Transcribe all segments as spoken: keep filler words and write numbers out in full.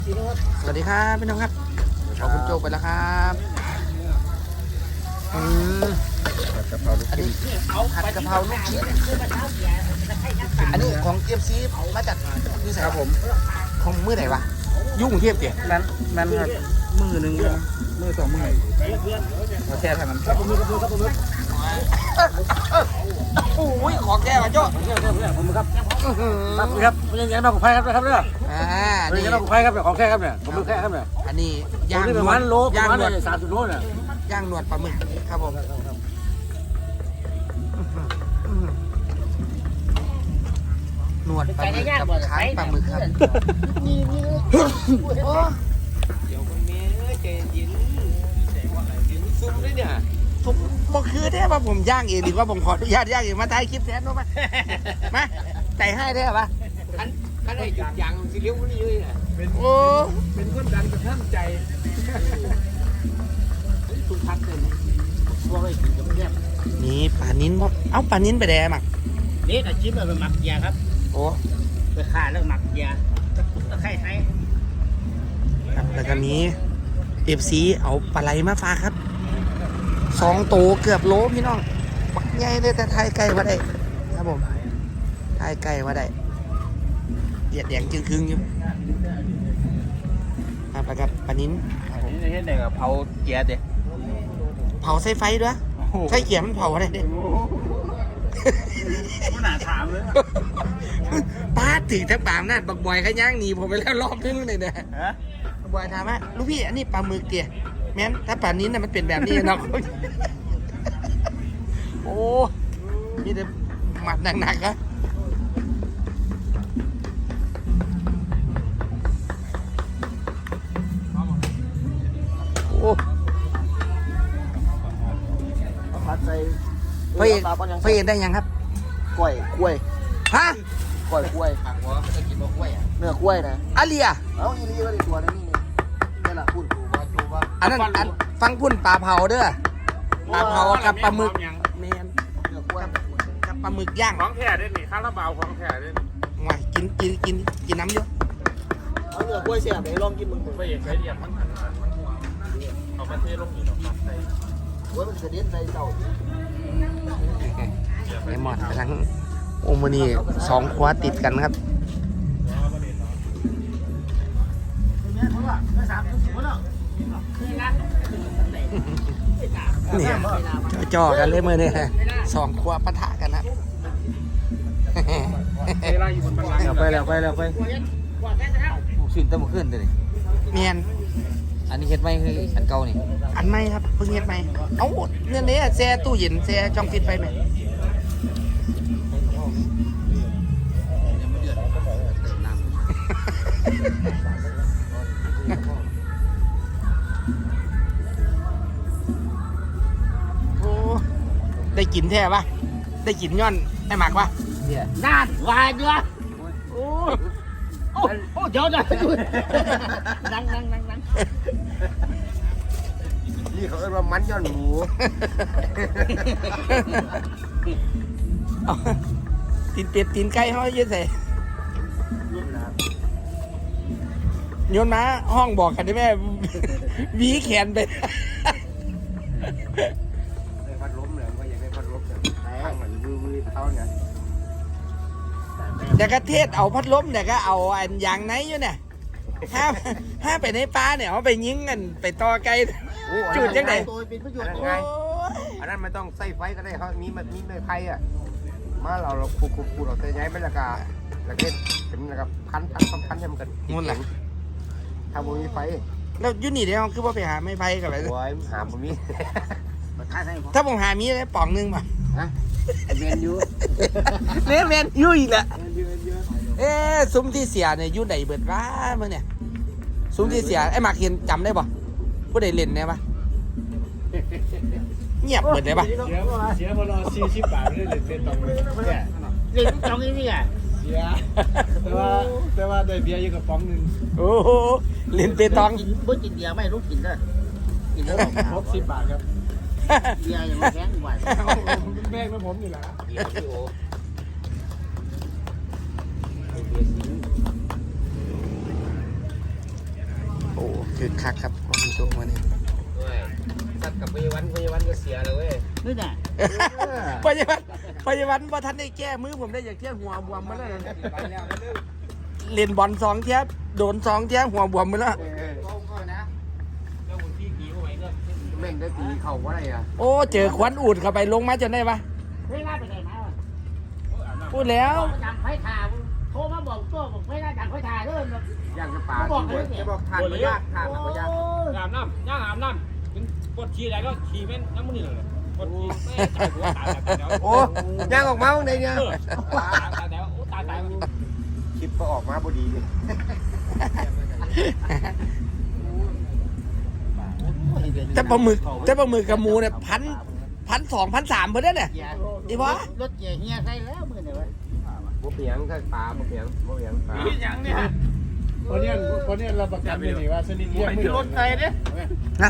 สวัสดีครับพี่น้องครับขอบคุณโจไปแล้วครับอืมผัดกะเพราลูกชิ้นผัดกะเพราลูกชิ้นอันนี้ของเอฟซีมาจากนี่ครับผมของมือไหนวะยุ่งเทียบเตี๋ยนั้นนั้นครับมือหนึ่งมือสองมือเราแช่ทางนั้นครับมือกับมือครับมือโอ้ยของแก้วโจ้ผมครับครับครับเป็นยังไงบ้างของไพ่ครับครับเนี่ยอ่าเป็นยังไงบ้างของไพ่ครับเนี่ยของแค่ครับเนี่ยผมมือแค่ครับเนี่ยอันนี้ย่างประมาณโลประมาณสามสิบโลเนี่ยย่างหนวดปลาหมึกครับผมหนวดปลาหมึกกับค้างปลาหมึกครับโอ้เดี๋ยวคนนี้ใจเย็นซุ่มด้วยเนี่ยผมบอกคือแท้ว่าผมย่างเองดีกว่าผมขออนุญาตย่างเองมาถ่ายคลิปแทนรู้ไหมมาใจให้ได้ปะขันขันไอ้จุดยางสิเลี้ยวนี่เลยอ่ะโอ้เป็นคนดันกระทั่งใจทุกทักเลยช่วงไอ้กินกับเพื่อนนี่ปลานิ้นครับเอ้าปลานิ้นไปแดงมั้งนี่แต่ชิปเราเป็นหมักยาครับโอ้ไปฆ่าแล้วหมักยาตะไคร้ไทยครับแล้วก็มีเอฟซีเอาปลาไหลมาฝากครับสองโตเกือบโลพี่น้องปักใหญ่เลยแต่ไทยไก่มาได้ครับผมไทยไก่มาได้เดียดแดงจึงครึ่งอยู่ครับแล้วก็ปลานิ้นนี่เห็นได้กับเผาเกียร์เด็เผาใส่ไฟด้วยใส่เกียร์มันเผาอะไรเด็ไม่น่าถามเลยป้าถึงทั้งปามนั่นบักบอยขย่างหนีผมไปแล้วรอบนึงเลยนะบักบอยถามว่าลูกพี่อันนี้ปลาหมึกเตี๋ยแม้นถ้าปลานิ้นน่ะมันเป็นแบบนี้เนาะโอ้มีแต่หมัดหนักๆอะโอ้ผัดใส่เพื่อนเพื่อนได้ยังครับกล้วยกล้วยฮะกล้วยกล้วยผักหัวเขาจะกินมะกล้วยอ่ะเนื้อกล้วยนะอาเลียเอ้าอีลีก็ได้ตัวนั้นนี่นี่แหละพูดถูกว่าถูกว่าอันนั้นอันฟังพุ่นปลาเผาเด้อปลาเผากับปลาหมึกเมนเนื้อกล้วยกับปลาหมึกย่างของแท้ด้วยนี่ข้าวราบาวของแท้ด้วยงอยกินกินกินกินน้ำเยอะเอาเนื้อกล้วยเสียบไปลองกินมึงไม่อยากใช้เดียบมันมันมันหัวเอามาเทลงอยู่หรอกครับใส่หัวมันกระเด็นใส่เจ้าไอหมอนกำลังโอมานีสองขวาติดกันครับเนี่ยจ่อกันเลยมือเนี่ยสองขวาปะทะกันครับไปแล้วไปแล้วไปผูกสินตั้งมาขึ้นเลยเมียนอันนี้เฮ็ดไหมคืออันเก่านี่อันไม่ครับเพิ่งเฮ็ดไหมเอ้าเนี่ยเนี่ยแช่ตู้เย็นแช่ช่องฟิตไปไหมโอ้ได้กินแท้ปะได้กินย้อนไอ้หมักปะน่านวายด้วยโอ้โอ้โอ้เดี๋ยวเดี๋ยวนั่งนั่งนั่งนั่งนี่เขาเรียกว่ามันย้อนหมูตีนเป็ดตีนไก่เขาเยอะใส่โยนมาห้องบอกกันได้ไหมวีแขนไปได้พัดล้มเลยว่าอยากได้พัดล้มแต่ข้างมันวื้อวื้อเท้าไงแต่ก็เทศเอาพัดลมแต่ก็เอาอันยางไหนอยู่เนี่ยห้าห้าไปในป่าเนี่ยเขาไปยิงกันไปต่อไกลจุดยังไงอันนั้นไม่ต้องใส่ไฟก็ได้เขามีมันมีไม้ไผ่อะมาเราเราคูคูคูเราใส่ย้ายเป็นละกาละเก็ดเป็นละกาพันพันพันพันให้มันกันงุ่นแหละถ้าบ่มีไฟแล้วยุนี่เดี๋ยวคือว่าไปหาไม้ไผ่กันไปโอ้ยหาบ่มีถ้าผมหามีได้ป่องนึงป่ะฮะเมนยูเนี่ยเมนยูอีกแหละเอ๊ะซุ้มที่เสียเนี่ยยูไหนเบิดว้ามึงเนี่ยซุ้มที่เสียไอ้หมากเห็นจำได้ป่ะผู้ใดเล่นได้ป่ะเงียบเบิดได้ป่ะเสียเสียพอรอสี่สิบบาทไม่ได้เล่นเป็นตองเลยเนี่ยเล่นตองนี่นี่ไงเสียแต่ว่าแต่ว่าได้เบียร์อยู่กับป๋องนึงโอ้โหเล่นเป็นตองบ่กินเบียร์ไม่รู้กินเด้อกินได้ครบสิบบาทครับเบียร์ยังแพงกว่าแม่งผมนี่แหละอ้คือคักครับของคุณโจมาเนี่ยด้วยสัตว์กับพยาวันพยาวันก็เสียเลยเว้ยนี่น่ะพยาบาลพยาบาลว่าท่านได้แก้มือผมได้อย่างเที่ยหัวบวมมาแล้วไปแล้วเรื่องเล่นบอลสองเที่ยโดนสองเที่ยหัวบวมมาแล้วแม่งได้ตีเข่าว่าอะไรอ่ะโอ้เจอควันอูดเข้าไปลงมาจนได้ปะเวลาไปไหนมาวะพูดแล้วจังไฟถ่าโทรมาบอกตัวบอกไม่ได้จังไฟถ่าเด้อย่างจะป่าจะบอกทานไม่ยากทานไม่ยากอาบน้ำย่างอาบน้ำถึงปวดฉี่อะไรก็ฉี่เป็นน้ำมันนี่เลยปวดฉี่ไม่ตายหัวตายตายแล้วโอ้ย่างออกมาวันไหนเนี่ยตายตายแล้วตายตายมันคลิปก็ออกมาพอดีเลยแต่ปลาหมึกแต่ปลาหมึกกับหมูเนี่ยพันพันสองพันสามเพื่อนเนี่ยดีปะรถเกียร์เฮียใส่แล้วมือเนี่ยบ่เปียงถ้าป่าบ่เปียงบ่เปียงป่าอย่างเนี้ยคนเนี้ยคนเนี้ยเราประกันไม่ดีว่าสนิทเยี่ยมไม่รถไฟเนี่ยนะ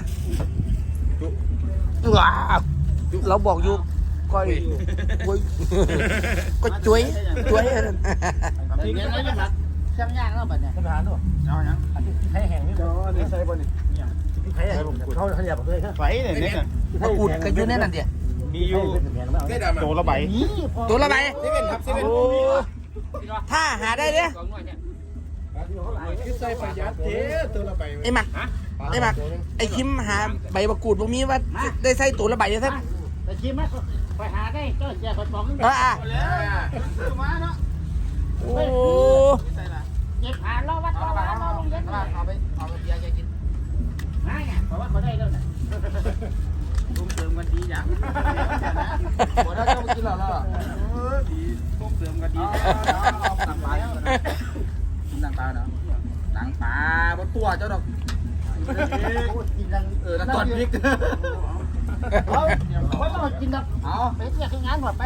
ว้าวเราบอกอยู่ก้อยก้อยก็จุ้ยจุ้ยเดี๋ยวเราจะมาช่างยากแล้วบัดเนี่ยทหารด้วยเอาอย่างให้แห่งนี่ก็นี่ใส่บนนี่ให้แห่งเขาเขาอยากเลยครับไฟเนี่ยเนี่ยมาอุดกันอยู่แน่นั่นเดียมีอยู่โตละใบนี่ตัวละใบเซเว่นครับเซเว่นโอ้ถ้าหาได้เนี่ยสองหน่วยเนี่ยคือใส่ประหยัดเจ๊ตัวละใบไอ้หมักไอ้หมักไอ้คิมหาใบมะกรูดพวกนี้ว่าได้ใส่ตัวละใบยังไงแต่ชิมมั้ยไปหาได้ก็เจียคนบอกนึงเอออ่ะมาเนาะโอ้เก็บหาล้อวัดล้อวัดล้อลงเย็นเอาไปเอาไปเบียร์แกกินง่ายไงเพราะว่าเขาได้แล้วเนี่ยตุ้มเติมกันดีอย่างหมดแล้วจะมากินหรอล่ะดีตุ้มเติมกันดีหนังปลาหนังปลาเนาะหนังปลาบนตัวเจ้าดอกกินดังเออแล้วตอนพริกเขาเขาต้องกินดังเอาไปเที่ยวคืองานหมดไป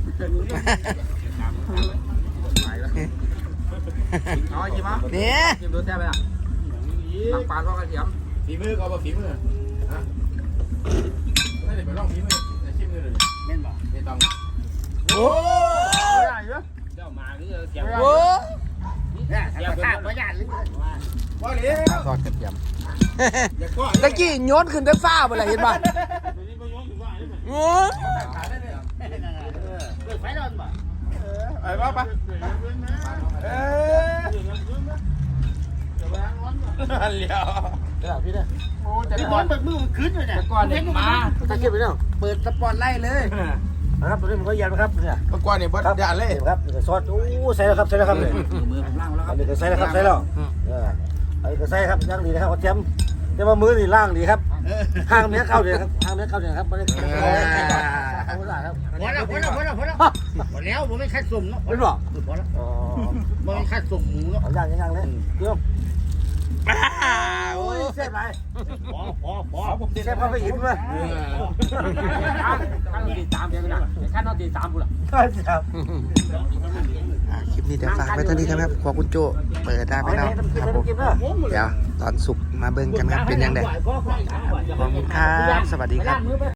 เอาจิมะเนี่ยจิมดูแซ่บไปอ่ะหนังปลาทอดกระเทียมฝีมือก็เอาฝีมือฮะไม่ได้ไปลองฝีมือแต่ชิมมือเลยเล่นบ่ไม่ต้องโอ้เดี๋ยวมาหรือเสียงโหเนี่ยเดี๋ยวข้าวประหยัดหรือว่าเลยทอดกระเทียมอย่าก้อนตะกี้โยนขึ้นได้ฟ้าไปเลยเห็นป่ะโอ้เปิดไฟร้อนบ่ไปบ้าปะเอออันเลี้ยวเดี๋ยวพี่เนี่ยโอ้แต่ที่บก่ออลนเปิดมือมันขึ้นเลยเนี่ยก่อนเนี่ยมาตะเกียบไปเนาะเปิดสปอตไล่เลยนะครับตัวนี้มันก็ยันนะครับเนี่ยเมื่อก่อนเนี่ยบดยานเลยครับซอสโอ้ใส่แล้วครับใส่แล้วครับเลยมือผมล่างแล้วคอัรับนนี้ก็ใส่แล้วครับใส่แล้วเอออันนี้ก็ใส่ครับย่างดีนะครับเอาเทียมแต่ว่ามือนี่ล่างดีครับห้างเนี้ยเข้าเดียครับห้างเนี้ยเข้าเดียครับไม่ได้เอาเวลาครับพอแล้วพอแล้วพอแล้วพอแล้วพอแล้วผมไม่คัดสุ่มเนาะไม่หรอกพอแล้วอ๋อไม่คัดสุ่มหมูเนาะเอาย่างย่างเลยเดี๋ยวโอ้โอ้ยเสียบไรพอพอพอเสียบเข้าไปอิ่มเลยขั้นตีสามเดียวกันนะขั้นนอนตีสามกูละครับอ่ะคลิปนี้เดี๋ยวฝากไว้เท่านี้ครับขอบคุณโจเปิดได้ไหมเนาะครับผมเดี๋ยวตอนสุกมาเบิ่งกันครับเป็นยังไงขอบคุณครับสวัสดีครับ